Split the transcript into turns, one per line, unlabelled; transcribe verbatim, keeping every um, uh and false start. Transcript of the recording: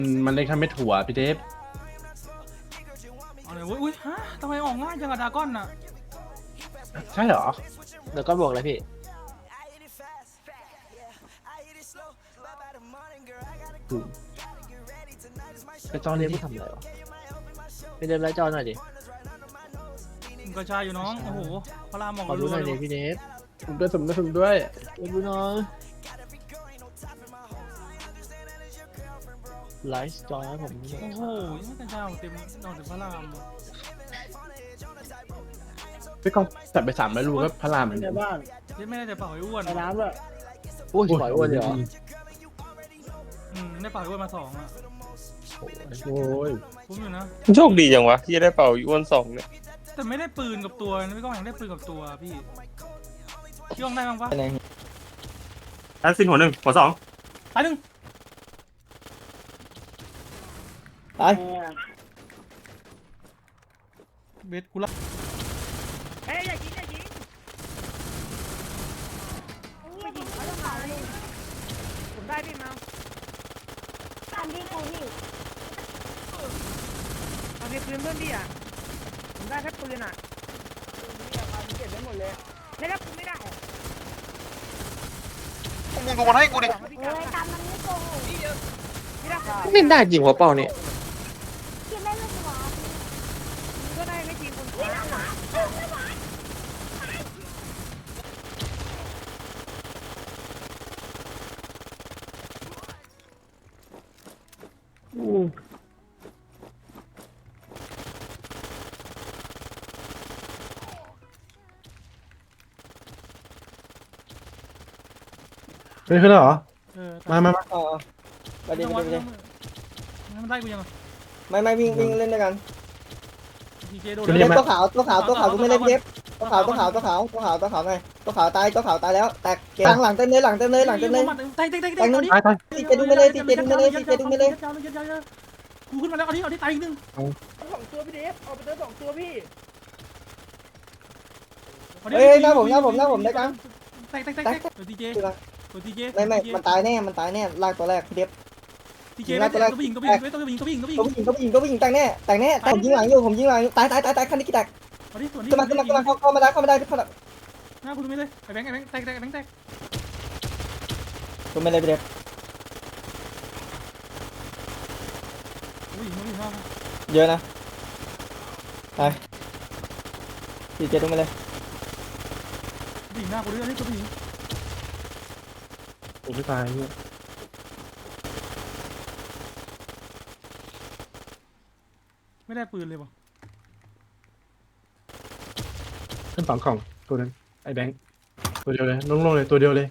มันเล็กทำไม่ถั่วพี่เทป
เอาเลยอุ้ยฮะทำไมออกง่ายจังอะดาก้อนน่ะ
ใช่เหรอ
เดี๋ยวก็บวกเลยพี่
ไปจอนี้
เรียก
ดิ
ผู้ทำอะไรวะไปเดินไล่จอหน่อยดิ
กระชายอยู่น้องโอ้โหพระรามออก
ขอดูหน่อย
เล
ดิ
ย
พี่เนท
ผมด้วยผมด้วยผมด้วย
ไปดูหน่อยไลฟ์จอยให้ผมหน่อย
โอ้โหยังกระชายเต็มนอกจากพระราม
พี่กองจัดไปสามร้อยรูก็พระรามเหมือน
ใน
กัน
บ้าน
เจ๊ไม่ได้แต่เป่าไอ้อ้วน
ในน้ำด้วย
โอ้ยปล่อยอ้วนเลยเหรอ
อืมได้เป่าไอ้อ้วนมาสองอะ
โอ้ย
คุ้มอยู่นะ
โชคดีจังวะที่จะได้เป่าอีอ้วนสองเนี่ย
แต่ไม่ได้ปืนกับตัวนะพี่ก้องอยากได้ปืนกับตัวพี่พี่ก้องได้บ้างปะ
แอสซินหัวหนึ่งหัวสอง
ตายหนึ่ง
ตาย
เบสกูละ
เฮ้ยอย่ายิงอย่ายิงไม่ยิงเขาต้องมาเลยผมได้พี่มา
ตามที่กูหิว
เอาเก็บปืนเพื่อนพี่อ่ะผมได้แค่ปืนอ่ะเก็บได้หมดเลยไม่ได้ปืนไม่ได้
มึงดูมันให้กูดิ
เฮ้ยตามมันไม่โกหก
ไม่ได้
ไม่ได้จริงหัวเป่าเนี่ย
คิดไม่รู้ตัว
ก็ได้ไม่จริงคนเดียว
ไม่ขึ้นแล้วเหรอ
เออ
มามามา
อ๋อไปดิไปดิไปดิ
มันได้กูยัง
ไม่ไม่วิ่งวิ่งเล่นด้วยกัน
ทีเจโดน
เล่นตัวขาวตัวขาวตัวขาวกูไม่เล่นเทปตัวขาวตัวขาวตัวขาวตัวขาวตัวขาวไงตัวขาวตายตัวขาวตายแล้วแตกหลังหลังเต็มเลยหลังเต็มเลยหลังเต็มเลย
ตายตายตาย
แตงนึง
ตายตาย
ตีเจดูไม่เลยตีเจดูไม่เลยตีเจดูไม่เลย
กูขึ้นมาแล้วเอาที่เอาที่ตายอีกนึง
สองตัวพี่เดฟเอาไปเจอสองตัวพี่
เฮ้ยหน้าผมหน้าผมหน้าผมได้กัน
แตกแตกแตกแตกตัวทีเจตัวทีเจ
ไม่ไม่มันตายแน่มันตายแน่ลากตัวแรกเทป
ทีเจตัวผู้หญิงตัวผู้หญิงตัวผู้หญิงตัวผู้หญิงตัวผู้หญิง
ตัวผู้หญิงตัวผู้หญิงตัวผู้หญิงแตกแน่แตกแน่แต่ผมยิงหลังอยู่ผมยิงหลังตายตายตายตายคันนี้กี่แตก
มาดิส่วนนี้
ขึ้นมาขึ้นมาขึ้นมาเข้าเข้ามาได้เข้ามาได้เข้ามา
หน้าคุณไม่เลยไอ้แบงค์ไอ้แบงค์แตกแตกแบงค์แตก
ตัวไม่เลยไปเด็บ
ผู้หญิงผู้หญิงมาก
เยอะนะไปตีเจดูไม่เลย
ผู้หญิงหน้ากูด้วยนี่ตัวผู้หญิง
ผมไม่ตายเนี่ย
ไม่ได้ปืนเลยว่ะ
ขึ้นสองกล่องตัวนึงไอ้แบงค์ตัวเดียวเลยลงๆเลยตัวเดียวเลย